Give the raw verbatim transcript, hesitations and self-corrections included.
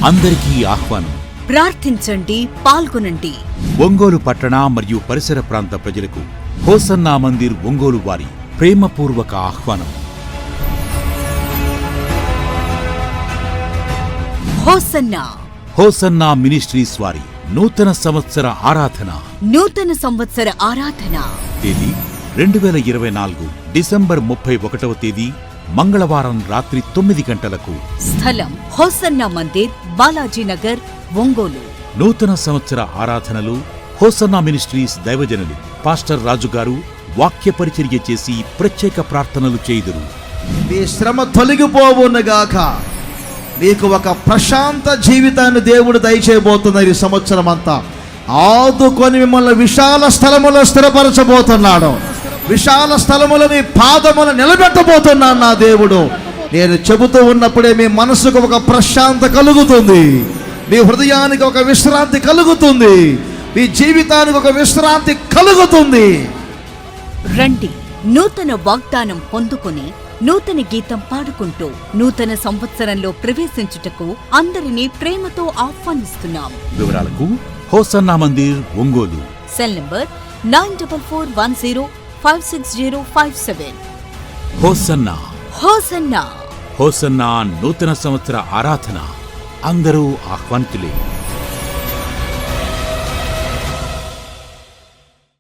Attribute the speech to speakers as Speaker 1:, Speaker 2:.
Speaker 1: అందరికీ ఆహ్వానం.
Speaker 2: ప్రార్థించండి, పాల్గొనండి.
Speaker 1: ఒంగోలు పట్టణ మరియు పరిసర ప్రాంత ప్రజలకు హోసన్నా మందిర్ ఒంగోలు వారి ప్రేమపూర్వక ఆహ్వానం.
Speaker 2: హోసన్నా
Speaker 1: హోసన్నా మినిస్ట్రీస్ వారి నూతన సంవత్సర ఆరాధన.
Speaker 2: నూతన సంవత్సర ఆరాధన
Speaker 1: తేదీ రెండు వేల ఇరవై నాలుగు డిసెంబర్ ముప్పై ఒకటవ తేదీ మంగళవారం రాత్రి తొమ్మిది గంటలకు.
Speaker 2: స్థలం హోసన్నా మందిర్, బాలాజీనగర్, ఒంగోలు.
Speaker 1: నూతన సంవత్సర ఆరాధనలు హోసన్నా మినిస్ట్రీస్ దైవజనులు పాస్టర్ రాజుగారు వాక్య పరిచర్య చేసి ప్రత్యేక ప్రార్థనలు చేయుదురు.
Speaker 3: మీ శ్రమ తొలగిపోవునుగాక. మీకు ఒక ప్రశాంత జీవితాన్ని దేవుడు దయచేయబోతున్నారు. ఈ సంవత్సరం అంతా ఆదుకొని మిమ్మల్ని విశాల స్థలములో స్థిరపరచబోతున్నాడు. విశాల స్థలములో మీ పాదములు నిలబెట్టబోతున్నాను నా దేవుడు. నేను చెబుతూ ఉన్నప్పుడే మీ మనసుకు ఒక ప్రశాంత కలుగుతుంది, మీ హృదయానికి ఒక విశ్రాంతి కలుగుతుంది, మీ జీవితానికి ఒక విశ్రాంతి కలుగుతుంది.
Speaker 2: రండి, నూతన వాగ్దానం పొందుకొని నూతన గీతం పాడుకుంటూ నూతన సంవత్సరంలో ప్రవేశించుటకు అందరినీ ప్రేమతో ఆహ్వానిస్తున్నాం.
Speaker 1: వివరాలకు Hosanna Mandir Ongole.
Speaker 2: Cell number nine double four one zero five six zero five seven.
Speaker 1: Hosanna
Speaker 2: hosanna
Speaker 1: hosanna నూతన సంవత్సర ఆరాధన. అందరూ ఆహ్వానితులే.